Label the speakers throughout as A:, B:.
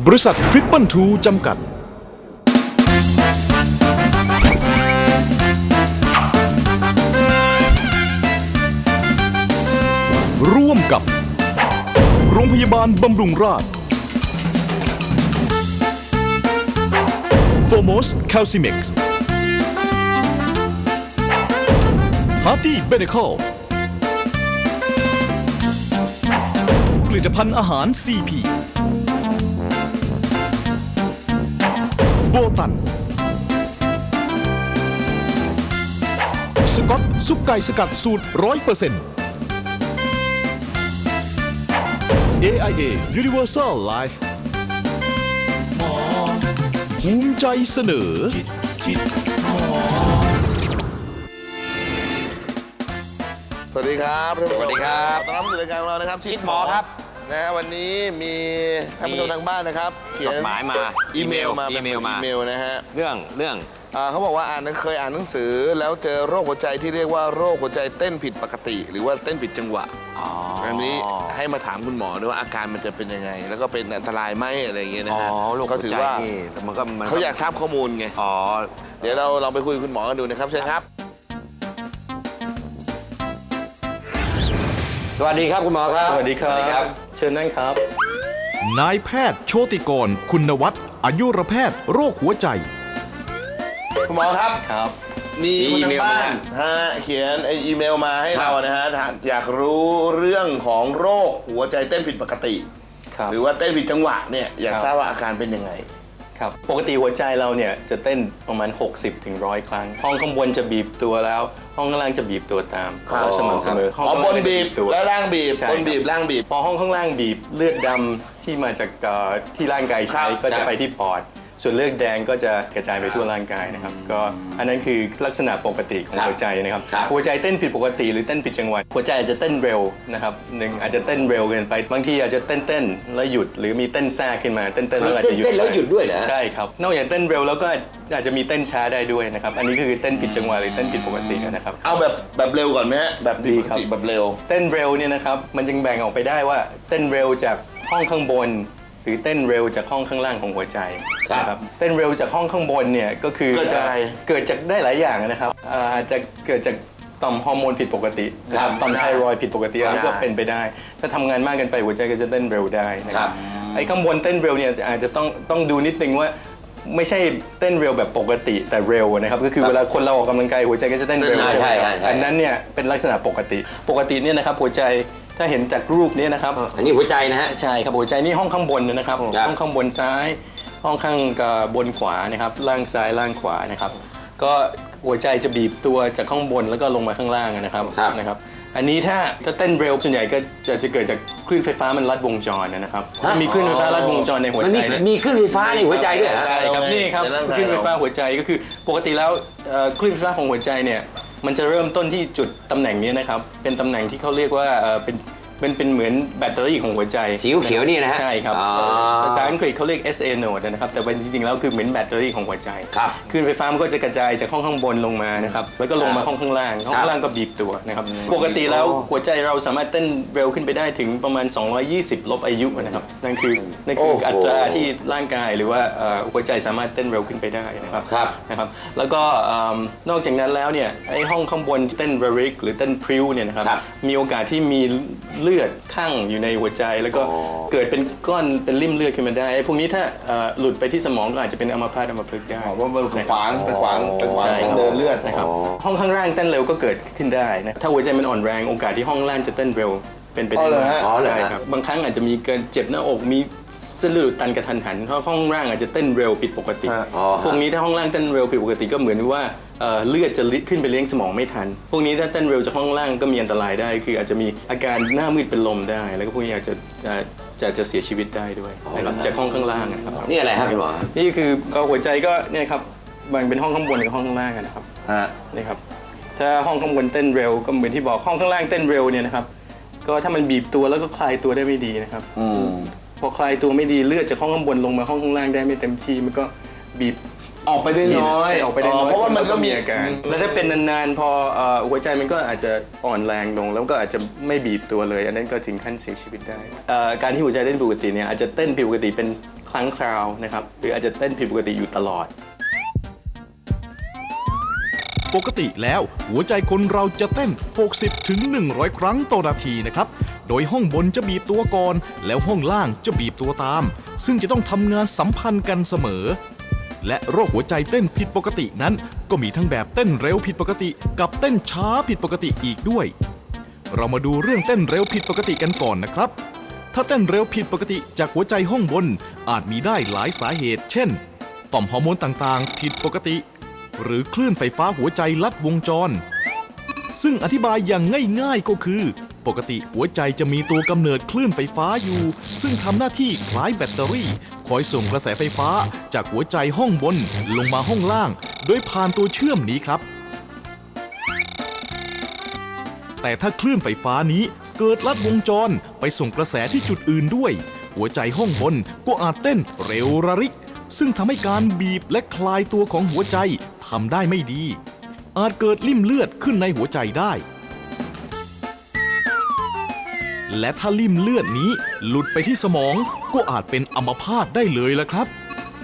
A: บริษัททริปเปิลทูจำกัดร่วมกับโรงพยาบาลบำรุงราษฎร์โฟโมสแคลซิเม็กซ์ฮาร์ตี้เบเนคอลผลิตภัณฑ์อาหาร CP โบตันสก๊อตซุปไก่สกัดสูตร 100% AIA Universal Life ภูมิใจเสนอ
B: สวัสดีครับสวัสดีครับต้อนรับสู่รายการของเรานะครับ
C: ชิดหมอครับ
B: นะวันนี้มีท่านผู้ชมทางบ้านนะครับเขียน
C: จดหมายมา
B: อีเมลมานะฮะ
C: เรื่อง
B: เขาบอกว่าเคยอ่านหนังสือแล้วเจอโรคหัวใจที่เรียกว่าโรคหัวใจเต้นผิดปกติ หรือว่าเต้นผิดจังหวะอันนี้ให้มาถามคุณหมอด้วยว่าอาการมันจะเป็นยังไงแล้วก็เป็นอันตรายไหมอะไรอย่างเงี้ยนะฮะก็ถือว่าเขาอยากทราบข้อมูลไงเดี๋ยวเราลองไปคุยกับคุณหมอกันดูนะครับเชิญครับ
C: สวัสดีครับคุณหมอครับ
D: สวัสดีครับเชิญนั่งครับ
A: นายแพทย์โชติกรคุณวัฒน์อายุรแพทย์โรคหัวใจ
B: คุณหมอครับมีคนทางบ้านเขียนอีเมลมาให้เรานะฮะอยากรู้เรื่องของโรคหัวใจเต้นผิดปกติหรือว่าเต้นผิดจังหวะเนี่ยอยากทราบว่าอาการเป็นยังไง
D: ครับปกติหัวใจเราเนี่ยจะเต้นประมาณ60 ถึง 100 ครั้งห้องข้างบนจะบีบตัวแล้วห้องข้างล่างจะบีบตัวตามสม่ำเสมอ
B: ห้องบนบีบแล้วล่างบีบบนบีบล่างบีบ
D: พอห้องข้างล่างบีบเลือดดำที่มาจากที่ร่างกายใช้ก็จะไปที่ปอดส่วนเลือดแดงก็จะกระจายไปทั่วร่างกายนะครับก็อันนั้นคือลักษณะปกติของหัวใจนะครับหัวใจเต้นผิดปกติหรือเต้นผิดจังหวะหัวใจอาจจะเต้นเร็วนะครับอาจจะเต้นเร็วเกินไปบางทีอาจจะเต้นแล้วหยุดหรือมีเต้นแทรกขึ้นมาเต้นแล้วอาจจะหยุด
C: เต้นแล้วหยุดด้วยเหรอ
D: ใช่ครับนอกจากเต้นเร็วแล้วก็อาจจะมีเต้นช้าได้ด้วยนะครับอันนี้คือเต้นผิดจังหวะหรือเต้นผิดปกตินะครับ
B: เอาแบบเร็วก่อนไหมฮะแบบดีครับแบบเร็ว
D: เต้นเร็วเนี่ยนะครับมันจึงแบ่งออกไปได้ว่าเต้นเร็วจากห้องข้างบนหรือเต้นเร็วจากห้องข้างล่างของหัวใจนะครับเต้นเร็วจากห้องข้างบนเนี่ยก็คือเกิดจากได้หลายอย่างนะครับอาจจะเกิดจากต่อมฮอร์โมนผิดปกติต่อมไทรอยด์ผิดปกติอันนี้ก็เป็นไปได้ถ้าทำงานมากเกินไปหัวใจก็จะเต้นเร็วได้นะครับไอ้ข้างบนเต้นเร็วเนี่ยอาจจะต้องดูนิดนึงว่าไม่ใช่เต้นเร็วแบบปกติแต่เร็วนะครับก็คือเวลาคนเราออกกำลังกายหัวใจก็จะเต้นเร็ว
C: ใช่
D: อันนั้นเนี่ยเป็นลักษณะปกติเนี่ยนะครับหัวใจถ้าเห็นจากรูปนี้นะครับ
C: อันนี้หัวใจนะฮะ
D: ใช่ครับหัวใจนี่ห้องข้างบนนะครับห้องข้างบนซ้ายห้องข้างบนขวานะครับล่างซ้ายล่างขวานะครับก็หัวใจจะบีบตัวจากข้างบนแล้วก็ลงมาข้างล่างนะครับอันนี้ถ้าเต้นเร็วส่วนใหญ่ก็จะเกิดจากคลื่นไฟฟ้ามันลัดวงจรนะครับมีคลื่นไฟฟ้าลัดวงจรในหัวใจ
C: มีคลื่นไฟฟ้าในหัวใจด้วย
D: ใช่ครับนี่ครับคลื่นไฟฟ้าหัวใจก็คือปกติแล้วคลื่นไฟฟ้าของหัวใจเนี่ยมันจะเริ่มต้นที่จุดตำแหน่งนี้นะครับเป็นตำแหน่งที่เขาเรียกว่าเป็นเหมือนแบตเตอรี่ของหัวใจ
C: สีเขียวนี่นะฮะ
D: ใช่ครับภาษาอังกฤษเขาเรียก SA node นะครับแต่จริงๆแล้วคือเหมือนแบตเตอรี่ของหัวใจคลื่นไฟฟ้ามันก็จะกระจายจากห้องข้างบนลงมานะครับแล้วก็ลงมาห้องข้างล่างก็บีบตัวนะครับปกติแล้วหัวใจเราสามารถเต้นเร็วขึ้นไปได้ถึงประมาณ220ลบอายุนะครับนั่นคืออัตราที่ร่างกายหรือว่าหัวใจสามารถเต้นเร็วขึ้นไปได้นะครับแล้วก็นอกจากนั้นแล้วเนี่ยไอ้ห้องข้างบนเต้นเรริกหรือเต้นพริ้วเนี่ยนะครับมีโอกาสที่มีเลือดข้างอยู่ในหัวใจแล้วก็เกิดเป็นก้อนเป็นริ่มเลือดขึ้นมาได้พวกนี้ถ้าหลุดไปที่สมองก็อาจจะเป็นอัมพาตอัมพฤกษ์ได้
B: เพราะมันขวางเดินเลือด
D: นะครับห้องข้างล่างเต้นเร็วก็เกิดขึ้นได้นะถ้าหัวใจมันอ่อนแรงโอกาสที่ห้องล่างจะเต้นเร็วเป็นไปได้ใช่ครับบางครั้งอาจจะมีเกินเจ็บหน้าอกมีเส้นเลือดตันกระทันหันเพราะห้องล่างอาจจะเต้นเร็วผิดปกติพวกนี้ถ้าห้องล่างเต้นเร็วผิดปกติก็เหมือนว่าเลือดจะขึ้นไปเลี้ยงสมองไม่ทันพวกนี้ถ้าเต้นเร็วจากห้องล่างก็มีอันตรายได้คืออาจจะมีอาการหน้ามืดเป็นลมได้แล้วก็พวกนี้อาจจะเสียชีวิตได้ด้วยนะครับจากห้องข้างล่างนะครับ
C: นี่อะไรครับพี่หมอ
D: นี่คือหัวใจก็เนี่ยครับแบ่งเป็นห้องข้างบนกับห้องข้างล่างนะครับนี่ครับถ้าห้องข้างบนเต้นเร็วก็เหมือนที่บอกห้องข้างล่างเต้นเร็วเนี่ยนะครับก็ถ้ามันบีบตัวแล้วก็คลายตัวได้ไม่ดีนะครับพอคลายตัวไม่ดีเลือดจากห้องข้างบนลงมาห้องข้างล่างได้ไม่เต็มที่มันก็บีบ
B: ออกไปได้น้อยเพราะว่ามันก็มี
D: อาการแล้วถ้าเป็นนานๆพอหัวใจมันก็อาจจะอ่อนแรงลงแล้วก็อาจจะไม่บีบตัวเลยอันนั้นก็ถึงขั้นเสียชีวิตได้การที่หัวใจเต้นปกติเนี่ยอาจจะเต้นผิดปกติเป็นครั้งคราวนะครับหรืออาจจะเต้นผิดปกติอยู่ตลอด
A: ปกติแล้วหัวใจคนเราจะเต้น 60 ถึง 100 ครั้งต่อนาทีนะครับ โดยห้องบนจะบีบตัวก่อน แล้วห้องล่างจะบีบตัวตาม ซึ่งจะต้องทำงานสัมพันธ์กันเสมอ และโรคหัวใจเต้นผิดปกตินั้น ก็มีทั้งแบบเต้นเร็วผิดปกติ กับเต้นช้าผิดปกติอีกด้วย เรามาดูเรื่องเต้นเร็วผิดปกติกันก่อนนะครับ ถ้าเต้นเร็วผิดปกติจากหัวใจห้องบนอาจมีได้หลายสาเหตุ เช่น ต่อมฮอร์โมนต่างๆ ผิดปกติ หรือคลื่นไฟฟ้าหัวใจลัดวงจร ซึ่งอธิบายอย่างง่ายๆก็คือ ปกติหัวใจจะมีตัวกำเนิดคลื่นไฟฟ้าอยู่ ซึ่งทำหน้าที่คล้ายแบตเตอรี่ คอยส่งกระแสไฟฟ้าจากหัวใจห้องบนลงมาห้องล่าง โดยผ่านตัวเชื่อมนี้ครับ แต่ถ้าคลื่นไฟฟ้านี้เกิดลัดวงจรไปส่งกระแสที่จุดอื่นด้วย หัวใจห้องบนก็อาจเต้นเร็วระริก ซึ่งทำให้การบีบและคลายตัวของหัวใจทำได้ไม่ดี อาจเกิดลิ่มเลือดขึ้นในหัวใจได้ และถ้าลิ่มเลือดนี้หลุดไปที่สมองก็อาจเป็นอัมพาตได้เลยละครับ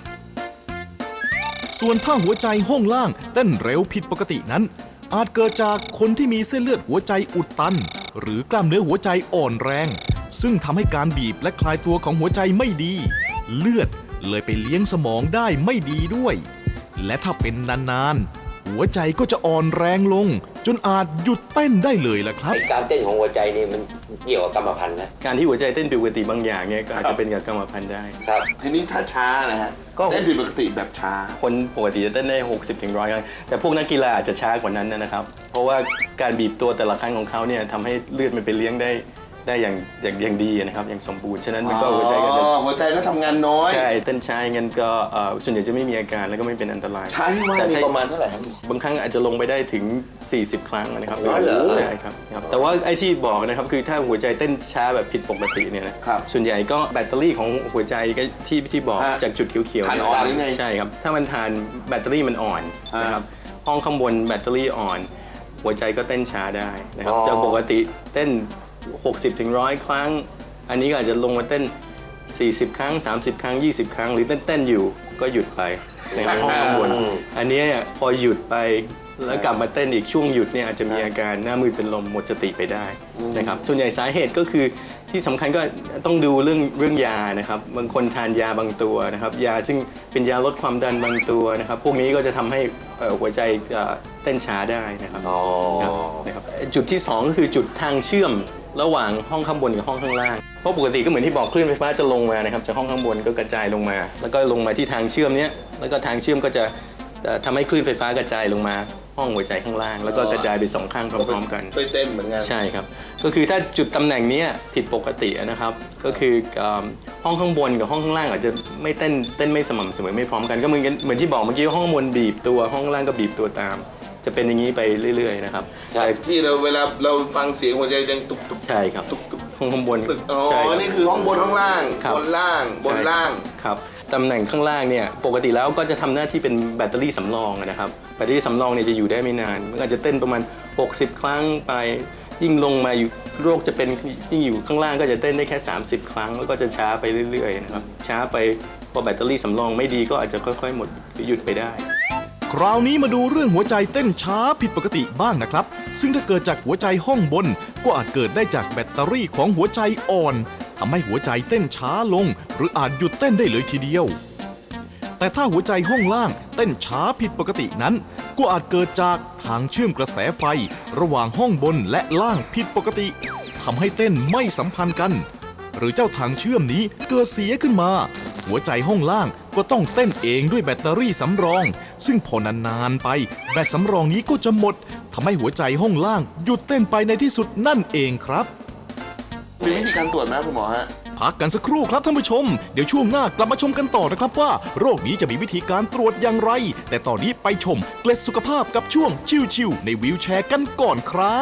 A: ส่วนถ้าหัวใจห้องล่างเต้นเร็วผิดปกตินั้น อาจเกิดจากคนที่มีเส้นเลือดหัวใจอุดตัน หรือกล้ามเนื้อหัวใจอ่อนแรง ซึ่งทำให้การบีบและคลายตัวของหัวใจไม่ดี เลือดเลยไปเลี้ยงสมองได้ไม่ดีด้วย และถ้าเป็นนานๆหัวใจก็จะอ่อนแรงลง จนอาจหยุดเต้นได้เลยล่ะครับ
C: การเต้นของหัวใจนี่มันเกี่ยวกับกรรมพันธุ์นะ
D: การที่หัวใจเต้นผิดปกติบางอย่างเนี่ยก็อาจจะเป็นกับกรรมพันธุ์ได้
C: ครับ
B: ทีนี้ถ้าช้านะฮะ
D: ก็
B: เต้นผิดปกติแบบช้า
D: คนปกติจะเต้นได้ 60 ถึง 100 ครั้ง แต่พวกนักกีฬาอาจจะช้ากว่านั้นนะครับ เพราะว่าการบีบตัวแต่ละครั้งของเขาเนี่ยทำให้เลือดมันไปเลี้ยงได้อย่างดีนะครับ อย่างสมบูรณ์ ฉะนั้นมันก็หัวใจก็จะ
B: หัวใจก็ทำงานน้อย
D: ใช่ เต้นช้าอย่างนั้นก็ส่วนใหญ่จะไม่มีอาการแล้วก็ไม่เป็นอันตราย
B: ช้าที่ว่า
D: แต่
B: มี
D: ถ้
B: ประมาณเท่าไหร่ครับ
D: บางครั้งอาจจะลงไปได้ถึง 40 ครั้งนะครับ
C: อ๋อเหรอ
D: ใช่ครับ แต่ว่าไอ้ที่บอกนะครับคือถ้าหัวใจเต้นช้าแบบผิดปกติเนี่ยนะครับ ส่วนใหญ่ก็แบตเตอรี่ของหัวใจก็ที่บอก
B: ฮะ
D: จากจุดเขียวๆ
B: ทาน
D: เย
B: อ่อนหรือไง
D: ใช่ครับ ถ้ามันทานแบตเตอรี่มันอ่อนนะครับ ห้องข้างบนแบตเตอรี่อ่อน หัวใจก็เต้นช้าได้นะครับ
C: อ๋อ
D: จากปกติเต้น 60 ถึง 100 ครั้ง อันนี้ก็อาจจะลงมาเต้น 40 ครั้ง 30 ครั้ง 20 ครั้ง หรือเต้นอยู่ก็หยุดไปในห้องข้างบน อันนี้พอหยุดไปแล้วกลับมาเต้นอีกช่วงหยุดเนี่ยอาจจะมีอาการหน้ามืดเป็นลมหมดสติไปได้นะครับ ส่วนใหญ่สาเหตุก็คือที่สำคัญก็ต้องดูเรื่องยานะครับ บางคนทานยาบางตัวนะครับ ยาซึ่งเป็นยาลดความดันบางตัวนะครับ พวกนี้ก็จะทำให้หัวใจเต้นช้าได้นะครับ
C: อ๋อ
D: นะครับจุดที่ 2 ก็คือจุดทางเชื่อมระหว่างห้องข้างบนกับห้องข้างล่าง เพราะปกติก็เหมือนที่บอกคลื่นไฟฟ้าจะลงมานะครับจากห้องข้างบนก็กระจายลงมา แล้วก็ลงมาที่ทางเชื่อมเนี้ยแล้วก็ทางเชื่อมก็จะทำให้คลื่นไฟฟ้ากระจายลงมาห้องหัวใจข้างล่าง แล้วก็กระจายไป2ข้างพร้อมๆกัน
B: ช่วยเต้นเหมือนกัน
D: ใช่ครับ ก็คือถ้าจุดตำแหน่งนี้ผิดปกตินะครับ ก็คือห้องข้างบนกับห้องข้างล่างอาจจะไม่เต้นไม่สม่ำเสมอไม่พร้อมกันก็เหมือนที่บอกเมื่อกี้ห้องข้างบนบีบตัวห้องข้างล่างก็บีบตัวตาม จะเป็นอย่างนี้ไปเรื่อยๆนะครับ
C: ใช่
B: ที่เวลาเราฟังเสียงหัวใจดังตุกตุก
D: ใช่ครับห้องข้างบน
B: ตึกอ๋อ
D: ใช่ครับ
B: นี่คือห้องบนห้องล่าง
D: ครับ
B: บนล่างบนล่าง
D: ครับตำแหน่งข้างล่างเนี่ยปกติแล้วก็จะทำหน้าที่เป็นแบตเตอรี่สำรองนะครับแบตเตอรี่สำรองเนี่ยจะอยู่ได้ไม่นานมันอาจจะเต้นประมาณ 60 ครั้งไปยิ่งลงมาอยู่โรคจะเป็นยิ่งอยู่ข้างล่างก็จะเต้นได้แค่ 30 ครั้งแล้วก็จะช้าไปเรื่อยๆนะครับช้าไปพอแบตเตอรี่สำรองไม่ดีก็อาจจะค่อยๆหมดหรือหยุดไปได้
A: คราวนี้มาดูเรื่องหัวใจเต้นช้าผิดปกติบ้างนะครับ ซึ่งถ้าเกิดจากหัวใจห้องบน ก็อาจเกิดได้จากแบตเตอรี่ของหัวใจอ่อนทำให้หัวใจเต้นช้าลง หรืออาจหยุดเต้นได้เลยทีเดียว แต่ถ้าหัวใจห้องล่างเต้นช้าผิดปกตินั้น ก็อาจเกิดจากทางเชื่อมกระแสไฟ ระหว่างห้องบนและล่างผิดปกติทำให้เต้นไม่สัมพันธ์กัน หรือเจ้าทางเชื่อมนี้เกิดเสียขึ้นมา หัวใจห้องล่างก็ต้องเต้นเองด้วยแบตเตอรี่สำรอง ซึ่งพอนานๆไปแบตสำรองนี้ก็จะหมดทำให้หัวใจห้องล่างหยุดเต้นไปในที่สุดนั่นเองครับ
B: มีวิธีการตรวจไหมคุณหมอฮะ
A: พักกันสักครู่ครับท่านผู้ชม เดี๋ยวช่วงหน้ากลับมาชมกันต่อนะครับว่า โรคนี้จะมีวิธีการตรวจอย่างไร แต่ตอนนี้ไปชมเกล็ดสุขภาพกับช่วงชิวๆในวีลแชร์กันก่อนครับ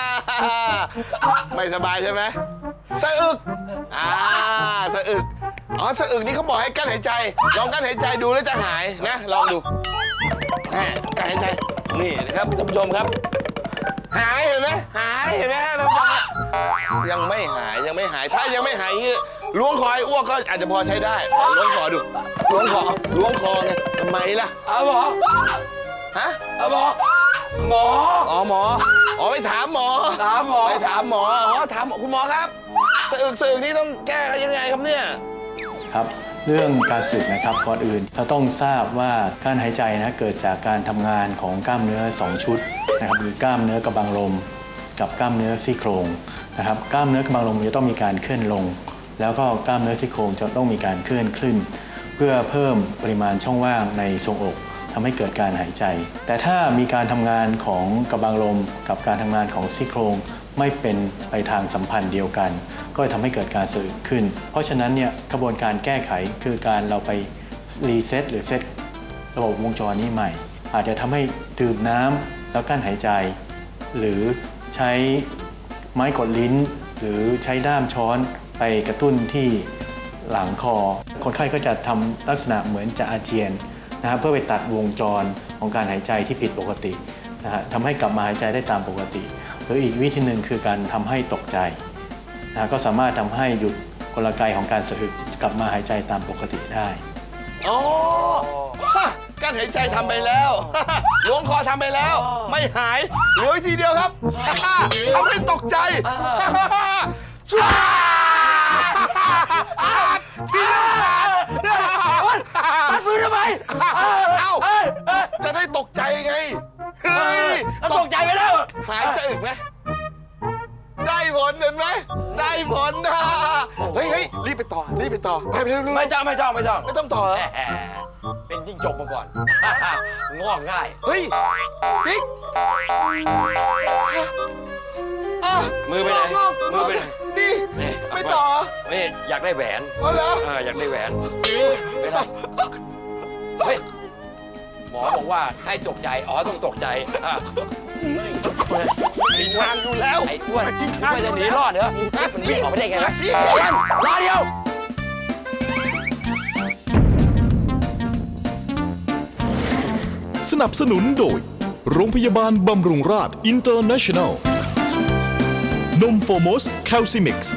B: ไม่สบายใช่ไหมสะอึกสะอึกอ๋อสะอึกนี่เขาบอกให้กั้นหายใจลองกั้นหายใจดูแล้วจะหายนะลองดูกั้นหายใจนี่นะครับท่านผู้ชมครับหายเห็นไหมหายเห็นไหมท่านผู้ชมยังไม่หายถ้ายังไม่หายล้วงคออ้วกก็อาจจะพอใช้ได้ล้วงคอดูล้วงคอไงทำไมล่ะหมอฮะหมอหมอไปถามหมอไปถามหมอถามคุณหมอครับสะอึกนี่ต้องแก้ยังไงครับเนี่ย
E: ครับเรื่องการสึกนะครับก่อนอื่นเราต้องทราบว่าการหายใจนะเกิดจากการทำงานของกล้ามเนื้อ2ชุดนะครับคือกล้ามเนื้อกระบังลมกับกล้ามเนื้อซี่โครงนะครับกล้ามเนื้อกระบังลมจะต้องมีการเคลื่อนลงแล้วก็กล้ามเนื้อซี่โครงจะต้องมีการเคลื่อนขึ้นเพื่อเพิ่มปริมาณช่องว่างในทรวงอกทำให้เกิดการหายใจแต่ถ้ามีการทำงานของกระบังลมกับการทำงานของซี่โครงไม่เป็นไปทางสัมพันธ์เดียวกันก็จะทำให้เกิดการสะอึกขึ้นเพราะฉะนั้นเนี่ยกระบวนการแก้ไขคือการเราไปรีเซ็ตหรือเซ็ตระบบวงจรนี้ใหม่อาจจะทำให้ดื่มน้ำแล้วกั้นหายใจหรือใช้ไม้กดลิ้นหรือใช้ด้ามช้อนไปกระตุ้นที่หลังคอคนไข้ก็จะทำลักษณะเหมือนจะอาเจียนนะครับเพื่อไปตัดวงจรของการหายใจที่ผิดปกตินะฮะทำให้กลับมาหายใจได้ตามปกติหรืออีกวิธีหนึ่งคือการทำให้ตกใจนะก็สามารถทำให้หยุดกลไกของการสะอึกกลับมาหายใจตามปกติได้
B: อ๋อการหายใจทำไปแล้วล้วงคอทำไปแล้วไม่หายเหลือวิธีเดียวครับทำให้ตกใจช่วยตัดมือทำไมจะได้ตกใจไงเฮ้ยตกใจไปแล้วหายสะอึกไหมได้ผลเห็นไหมได้ผลนะเฮ้ยรีบไปต่อไปเร็ว
F: ไม่ต้อง
B: ต่อ
F: เป็นจิ้งจกมาก่อนงอกง่าย
B: เฮ้ยติ๊ก
F: มือไปไหน
B: นี่ไม่ต่อ
F: ไม่อยากได้แหวน
B: เหรอ
F: อยากได้แหวนไม่ได้เฮ้ยหมอบอกว่าให้ตกใจต้องตกใจ
B: มีทางอยู่แล้ว
F: ไอ้อ้วนไม่จะหนีรอดเหรอมันวิ่งออกไปได้ไงนะรอเดียว
A: สนับสนุนโดยโรงพยาบาลบำรุงราษฎร์อินเตอร์เนชั่นแนลนมโฟมอสแคลซิมิกซ์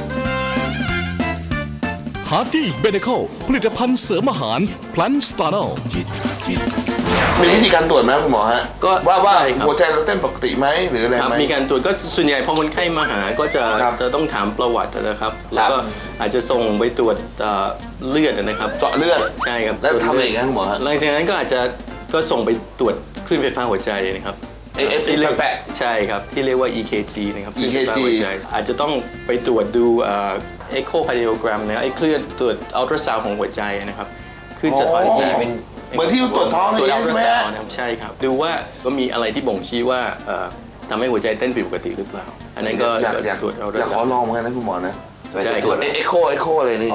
A: ฮาร์ตี้เบเนคอลผลิตภัณฑ์เสริมอาหารพลันสตาร์นอล
B: มีวิธีการตรวจไหมคุณหมอฮะก็ว่าหัวใจเราเต้นปกติไหมหรืออะไรไหม
D: มีการตรวจก็ส่วนใหญ่พอคนไข้มาหาก็จะต้องถามประวัตินะครับแล้วก็อาจจะส่งไปตรวจเลือดนะครับ
B: เจาะเลือด
D: ใช่ครับ
B: แล้วทำอะไรกันคุณหมอฮะ
D: หลังจากนั้นก็อาจจะก็ส่งไปตรวจคลื่นไฟฟ้าหัวใจนะครับ
B: ที่เรียกแปะ
D: ใช่ครับที่เรียกว่า EKG นะครับ
B: EKG
D: อาจจะต้องไปตรวจดูechocardiogram นะครับไอ้คลื่นตรวจอัลตราซาวด์ของหัวใจนะครับคลื่นสะท้อนแสง
B: เหมือนที่ตรวจท้อง
D: ใช่ไหมใช่ครับดูว่ามีอะไรที่บ่งชี้ว่าทำให้หัวใจเต้นผิดปกติหรือเปล่าอันนั้นก็
B: อยาก
D: ตรวจอัลตรา
B: ซาวด์อยากขอลองเหมือนกันนะคุณหมอนะ
F: ตรวจ
B: เอโคอะไรนี่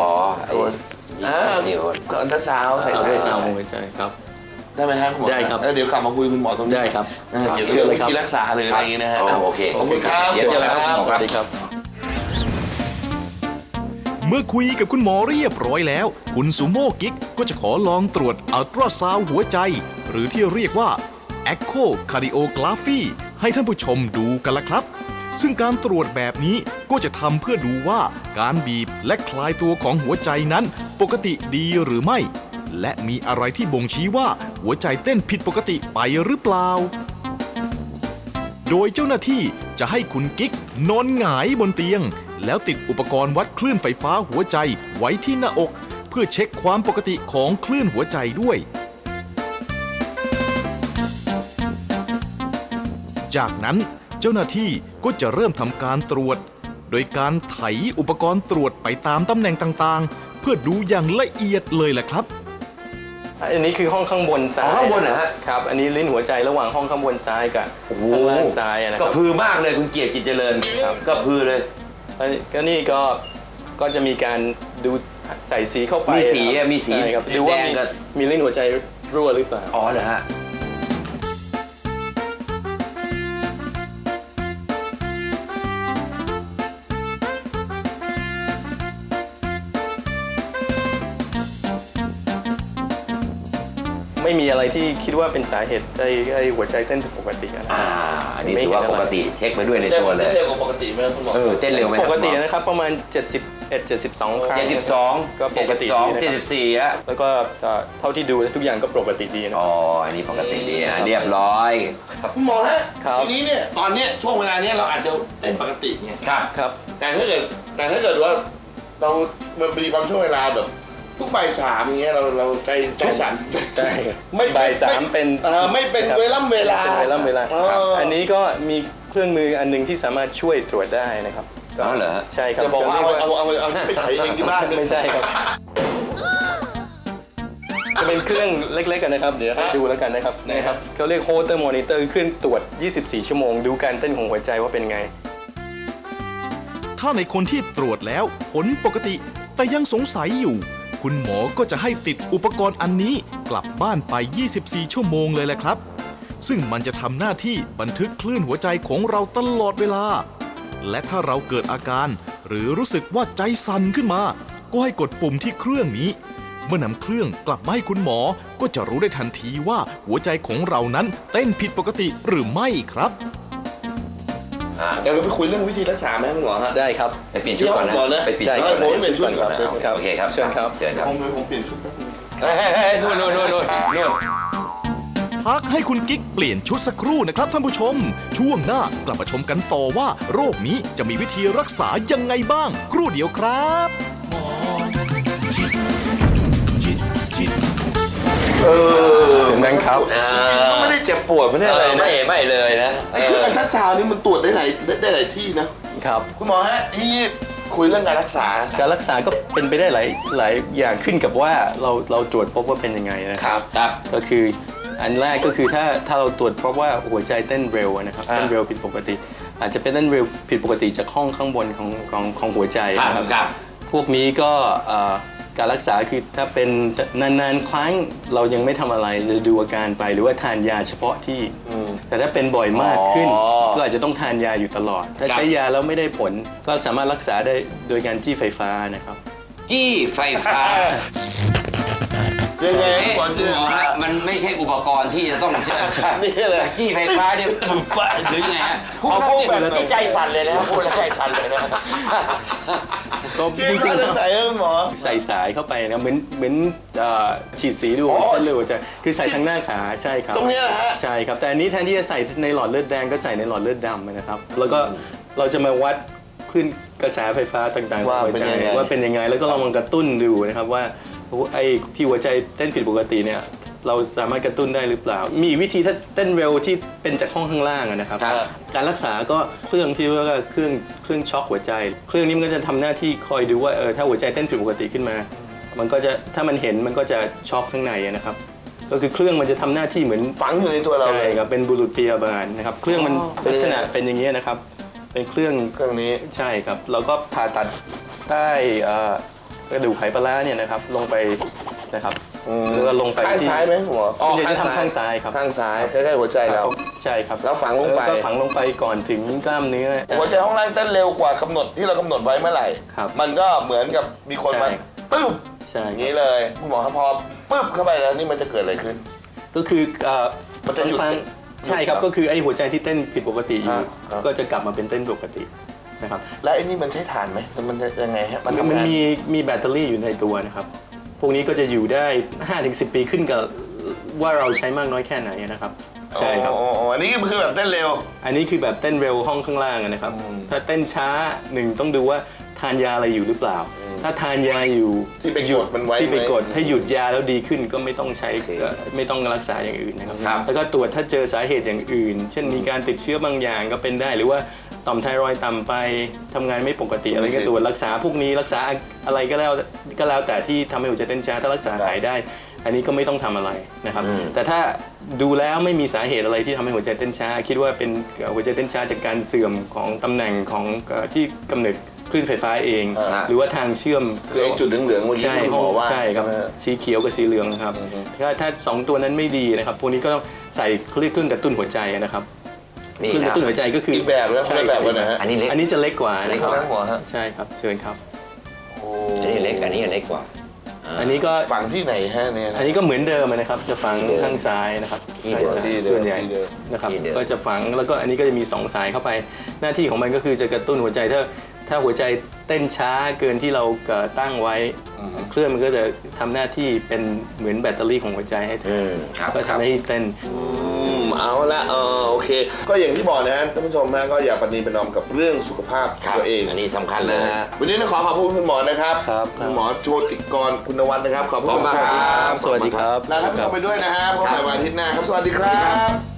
B: ก็อัลตราซาวด์ใส่
D: อัลตราซาวด์ของหัวใจครับ
B: ได้ไหมครับคุณหมอ
D: ได้ครับ
B: แล้วเดี๋ยวกลับมาคุยคุณหมอตรงนี้
D: ได้ครับ
B: เกี่ยวกับวิธีรักษาหรืออะไรอย่างนี้นะฮะ
F: โอเค
B: ขอบคุณครับ
F: เดี๋ยวครับ
D: สวัสดีครับ
A: เมื่อคุยกับคุณหมอเรียบร้อยแล้วคุณซูโม่กิ๊กก็จะขอลองตรวจอัลตราซาวด์หัวใจหรือที่เรียกว่า Echocardiogram ให้ท่านผู้ชมดูกันละครับซึ่งการตรวจแบบนี้ก็จะทำเพื่อดูว่าการบีบและคลายตัวของหัวใจนั้นปกติดีหรือไม่และมีอะไรที่บ่งชี้ว่าหัวใจเต้นผิดปกติไปหรือเปล่าโดยเจ้าหน้าที่จะให้คุณกิ๊กนอนหงายบนเตียงแล้วติดอุปกรณ์วัดคลื่นไฟฟ้าหัวใจไว้ที่หน้าอกเพื่อเช็คความปกติของคลื่นหัวใจด้วยจากนั้นเจ้าหน้าที่ก็จะเริ่มทำการตรวจโดยการไถอุปกรณ์ตรวจไปตามตำแหน่งต่างๆเพื่อดูอย่างละเอียดเลยแหละครับ
D: อันนี้คือห้องข้างบนซ้าย
F: ข้างบนเหรอฮะ
D: ครับอันนี้ลิ้นหัวใจระหว่างห้องข้างบนซ้ายกับข้างล่างซ้ายนะครับ
F: ก็พือมากเลยคุณเกียรติจิตเจริญก็พือเลย
D: ก็นี่ก็จะมีการดูใส่สีเข้าไป
F: มีสี
D: ดูว่ามีลิ้นหัวใจรั่วหรือเปล่า
F: อ๋อเหรอฮะ
D: ไม่มีอะไรที่คิดว่าเป็นสาเหตุไอ้หัวใจเต้นผิดปกติอะไร
C: อันนี้ถือว่าปกติเช็คไปด้วยในตัวเลย
B: เร็วกว่าปกติไหมครับคุณหมอ
C: เต้นเร็วไหม
D: ปกตินะครับประมาณ 71-72 ครั้ง
C: 72
D: ก็ปกติดีนะครับ
C: 74อะ
D: แล้วก็เท่าที่ดูทุกอย่างก็ปกติดีนะ
C: อ๋ออันนี้ปกติดีนะเรียบร้อย
B: คุณหมอฮะ
D: ครับ
B: ทีนี้เนี่ยตอนเนี้ยช่วงเวลาเนี้ยเราอาจจะเต้นปกติไง
C: ครับ
D: ครับ
B: แต่ถ้าเกิดว่าเรามันมีบางช่วงเวลาแบบทุกบ่ายสามอย่างเงี้ยเราใจสั่น
D: ใช่
B: ไม่
D: บ่ายสามเป็น
B: ไม่เป็น
D: ครับ
B: เวลา
D: เป็นเวลา
B: ครับ
D: อันนี้ก็มีเครื่องมืออันหนึงที่สามารถช่วยตรวจได้นะครับ
C: อ๋อเหรอฮะ
D: ใช่ครับ
B: จะบอกว่าเอาไปถ่ายเองที่บ้าน
D: ไม่ใช่ครับ จะเป็นเครื่องเล็กๆกันนะครับ เดี๋ยวให้ดูแล้วกันนะครับนะครับเขาเรียก Holter Monitor เครื่องตรวจ 24 ชั่วโมง ดูการเต้นของหัวใจว่าเป็นไง
A: ถ้าในคนที่ตรวจแล้วผลปกติ แต่ยังสงสัยอยู่ คุณหมอก็จะให้ติดอุปกรณ์อันนี้กลับบ้านไป 24 ชั่วโมงเลยแหละครับ ซึ่งมันจะทำหน้าที่บันทึกคลื่นหัวใจของเราตลอดเวลา และถ้าเราเกิดอาการ หรือรู้สึกว่าใจสั่นขึ้นมา ก็ให้กดปุ่มที่เครื่องนี้ เมื่อนำเครื่องกลับมาให้คุณหมอ ก็จะรู้ได้ทันทีว่าหัวใจของเรานั้นเต้นผิดปกติหรือไม่ครับ
B: เดี๋ยวเราไปคุยเรื่องวิธีรักษาไหมคุณหมอฮะ
D: ได้ครับ
C: ไปเปลี่ยนชุดก่อนนะ
B: หมอนะ
C: ไปเปลี่ยน
D: ได้
C: ชุด
D: ค
C: ก่
D: รั
C: อบ น
B: ผมเปลี่ยนชุดก่อน
C: โอเคครับ
D: เชิญครับ
C: เชิญครับ
B: ผมเปลี่ยนชุดแป๊บนึง
C: เฮ้ยนู่น
A: พักให้คุณกิ๊กเปลี่ยนชุดสักครู่นะครับท่านผู้ชม ช่วงหน้ากลับมาชมกันต่อว่า โรคนี้จะมีวิธีรักษายังไงบ้าง ครู่เดียวครับ
D: นั่นครับ
B: ก็ไม่ได้เจ็บปวดไม่ได้อะไรนะ
C: ไม่เลยนะ
B: ไอ้เครื่องอัลตราซาวน์นี่มันตรวจได้หลายที่นะครับ คุณหมอฮะที่คุยเรื่องการรักษา
D: การรักษาก็เป็นไปได้หลายอย่างขึ้นกับว่าเราตรวจพบว่าเป็นยังไงนะครับ
C: ครับ
D: ก็คืออันแรกก็คือถ้าเราตรวจพบว่าหัวใจเต้นเร็วนะครับเต้นเร็วผิดปกติ อาจจะเป็นเต้นเร็วผิดปกติจากห้องข้างบนของหัวใจนะครับ
C: ครับ
D: พวกนี้ก็การรักษาคือถ้าเป็นนานๆครั้งเรายังไม่ทำอะไรจะดูอาการไปหรือว่าทานยาเฉพาะที่ แต่ถ้าเป็นบ่อยมากขึ้น ก็อาจจะต้องทานยาอยู่ตลอด ถ้าใช้ยาแล้วไม่ได้ผลก็สามารถรักษาได้โดยการจี้ไฟฟ้านะครับ
C: จี้ไฟฟ้า
B: ยังไง
C: เอ๊ะ
B: หมอ
C: คุ
B: เชื่
C: ณ
B: อ
C: หมอฮะมันไม่ใช่อุปกรณ์ที่จะต้อง
B: นี่เลย
C: จี้ไฟฟ้าเนี่ยปุ๊บปะหรือยังไงฮะ
B: พูดแบบ
C: นี่ใจสั่นเลยนะพูดแล้วใจสั่นเลยนะ
D: ก็
B: จริ
D: จ
B: ง
D: ริง
B: ๆใส่คุณหมอ
D: ใส่สายเข้าไปนะเหมือนฉีดสีดู
B: อ๋อ
D: เส้นเลือดหัวใจคือใส่ทางหน้าขาใช่ครับ
B: ตรงเนี้ยเหรอฮะ
D: ใช่ครับแต่อันนี้แทนที่จะใส่ในหลอดเลือดแดงก็ใส่ในหลอดเลือดดำนะครับแล้วก็เราจะมาวัดคลื่นกระแสไฟฟ้าต่างๆของหัวใจว่าเป็นยังไงแล้วก็ลองกระตุ้นดูนะครับว่าไอ้ที่หัวใจเต้นผิดปกติเนี่ยเราสามารถกระตุ้นได้หรือเปล่า มีวิธีถ้าเต้นเร็วที่เป็นจากห้องข้างล่างอะนะครับ การรักษาก็เครื่องที่เรียกว่าเครื่องช็อคหัวใจ เครื่องนี้มันก็จะทำหน้าที่คอยดูว่าถ้าหัวใจเต้นผิดปกติขึ้นมา มันก็จะถ้ามันเห็นมันก็จะช็อคข้างในอะนะครับ ก็คือเครื่องมันจะทำหน้าที่เหมือน
B: ฝังอยู่ในตัวเรา
D: ใช่
B: เลย
D: ครับเป็นบุรุษพยาบาลนะครับเครื่องมันลักษณะเป็นอย่างนี้นะครับ เป็นเครื่อง
B: เครื่องนี้
D: ใช่ครับเราก็ผ่าตัดใต้กระดูกไขปลาร้าเนี่ยนะครับลงไปนะครับแล้วก็ลงไป
B: ข้าง
D: ที่
B: ซ้ายไหมหัว
D: ส่วนใหญ่จะทำข้างซ้ายครับ
B: ข้างซ้ายใกล้ๆหัวใจเรา
D: ใช่ครับ
B: แล้วฝังลงไป
D: แล้วก็ฝังลงไปก่อนถึงกล้ามเนื้อ
B: หัวใจห้องล่างเต้นเร็วกว่ากำหนดที่เรากำหนดไว้เมื่อไหร่
D: ครับ
B: มันก็เหมือนกับมีคนมา
D: ใช่
B: ปึ๊บ
D: ใช่
B: อย่าง
D: ค
B: นี้
D: รับ
B: เลยคุณหมอครับพอปึ๊บเข้าไปแล้วนี่มันจะเกิดอะไรขึ้น
D: ก็คือ
B: มันจะหยุด
D: ฟังใช่ครับก็คือไอ้หัวใจที่เต้นผิดปกติอยู่
B: ครับ
D: ก็จะกลับมาเป็นเต้นปกตินะครับ
B: และไอ้นี่มันใช้ถ่านไหมมันจะยังไงฮะมันทำ
D: มัน
B: งาน
D: มีแบตเตอรี่อยู่ในตัวนะครับพวกนี้ก็จะอยู่ได้ 5-10 ปีขึ้นกับว่าเราใช้มากน้อยแค่ไหนนะครับใช่ครับ
B: อ๋ออันนี้มันคือแบบเต้นเร็ว
D: อันนี้คือแบบเต้นเร็วห้องข้างล่างอะนะครับ ถ้าเต้นช้าต้องดูว่าทานยาอะไรอยู่หรือเปล่า ถ้าทานยาอยู่
B: ที่ไปกดมันไว้
D: ที่ไปกด
B: ไหม
D: ถ้าหยุดยาแล้วดีขึ้นก็ไม่ต้องใช้ไม่ต้องรักษาอย่างอื่นนะครับ
C: ครับ
D: แล้วก็ตรวจถ้าเจอสาเหตุอย่างอื่น เช่นมีการติดเชื้อบางอย่างก็เป็นได้ หรือว่าต่อมไทรอยด์ต่ำไปทำงานไม่ปกติอะไรก็ตรวจรักษาพวกนี้รักษาอะไรก็แล้วแต่ที่ทำให้หัวใจเต้นช้าถ้ารักษาหายได้ อันนี้ก็ไม่ต้องทำอะไรนะครับ แต่ถ้าดูแล้วไม่มีสาเหตุอะไรที่ทำให้หัวใจเต้นช้า คิดว่าเป็นหัวใจเต้นช้าจากการเสื่อมของตำแหน่งของที่กำเนิดคลื่นไฟฟ้าเอง หรือว่าทางเชื่อม
B: คือไอ้จุดเหลืองๆเมื่อกี้
D: ใช่
B: คุณหมอว่า
D: ใช่ครับ
B: ไหมฮะ
D: สีเขียวกับสีเหลืองครับถ้าสองตัวนั้นไม่ดีนะครับพวกนี้ก็ต้องใส่เครื่องกระตุ้นหัวใจนะครับ
C: นี่
D: เครื่อง
C: ค
D: ก
C: รับ
D: ระตุ้นหัวใจก็คือ
B: อีกแบบแล้วคนละแบบกันนะฮะ
C: อันนี้เล็ก
D: อันนี้จะเล็กกว่านะค
B: ค
D: รั
B: น
D: บ
B: ละหัวฮะ
D: ใช่ครับเชิญครับ
C: อันนี้เล็กอันนี้เล็กกว่า
D: อันนี้ก็
B: ฝังที่ไหนฮะเนี่ย
D: อันนี้ก็เหมือนเดิมนะครับจะฝังข้างซ้ายนะครับข้างซ้ายส่วนใหญ่นะครับก็จะฝังแล้วก็อันนี้ก็จะมี2 สายเข้าไปหน้าที่ของมันก็คือจะกระตุ้นหัวใจถ้าหัวใจเต้นช้าเกินที่เราตั้งไว้เครื่องมันก็จะทำหน้าที่เป็นเหมือนแบตเตอรี่ของหัวใจให้ก็ทำให้เต้น
B: เอาละโอเค ก็อย่างที่บอกนะฮะท่านผู้ชมฮะก็อย่าประนีประนอมกับเรื่องสุขภาพตัวเอง
C: อันนี้สำคัญเลย
B: นะฮะวันนี้ต้องขอขอบคุณคุณหมอนะครับ
D: ครับ
B: คุณหมอโชติกรคุณวัฒน์นะครับขอบคุณ
C: ขอบคุณมากครับ
D: สวัสดีครับ
B: ลาท่านผู้ชมไปด้วยนะฮะพบกันวันอาทิตย์หน้าครับสวัสดีครับ